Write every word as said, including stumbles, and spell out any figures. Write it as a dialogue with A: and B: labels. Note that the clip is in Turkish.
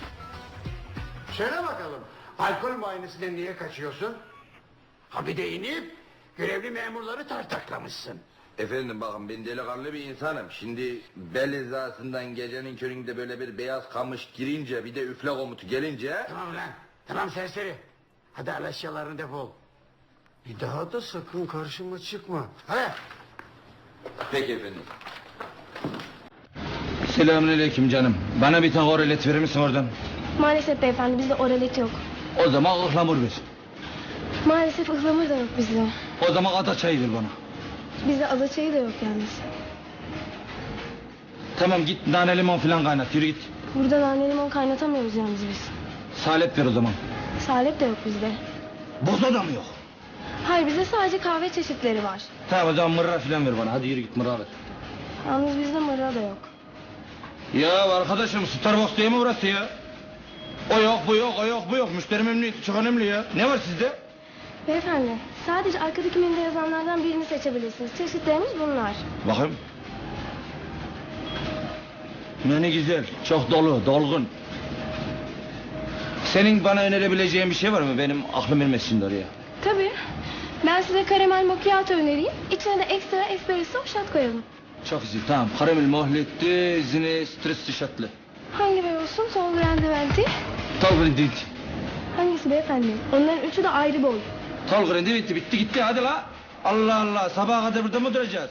A: Söyle bakalım, alkol muayenesinden niye kaçıyorsun? Ha bir de inip görevli memurları tartaklamışsın.
B: Efendim bakın ben delikanlı bir insanım. Şimdi bel hizasından gecenin köründe böyle bir beyaz kamış girince bir de üfle komutu gelince...
A: Tamam lan, tamam serseri. Hadi al eşyalarını defol. Bir daha da sakın karşıma çıkma. Hadi.
B: Peki efendim.
C: Selamünaleyküm canım. Bana bir tane oralet verir misin oradan?
D: Maalesef beyefendi bizde oralet yok.
C: O zaman ıhlamur ver.
D: Maalesef ıhlamur da yok bizde.
C: O zaman ada çayı ver bana.
D: Bizde ada çayı da yok yalnız.
C: Tamam git nane limon falan kaynat yürü git.
D: Burada nane limon kaynatamıyoruz yalnız biz.
C: Salep ver o zaman.
D: Salep de yok bizde.
C: Boza da mı yok?
D: Hayır bizde sadece kahve çeşitleri var.
C: Tamam o zaman mırra falan ver bana hadi yürü git mırra ver.
D: Yalnız bizde mırra da yok.
C: Ya arkadaşım Starbucks değil mi burası ya? O yok bu yok o yok bu yok müşteri memnuniyeti çok önemli ya. Ne var sizde?
D: Beyefendi sadece arkadaki menüde yazanlardan birini seçebilirsiniz. Çeşitlerimiz bunlar.
C: Bakayım. Ne güzel çok dolu dolgun. Senin bana önerebileceğin bir şey var mı? Benim aklım ermez şimdi oraya.
D: Tabii. Ben size karamel macchiato önereyim. İçine de ekstra espresso shot koyalım.
C: Çok güzel tamam. Karamel mohletli, zine stresli şatlı.
D: Hangi bey olsun? Sol grande venti.
C: Tol grindi bitti.
D: Hangisi beyefendi? Onların üçü de ayrı boy.
C: Tol grindi bitti bitti gitti hadi la. Allah Allah sabaha kadar burada mı duracağız?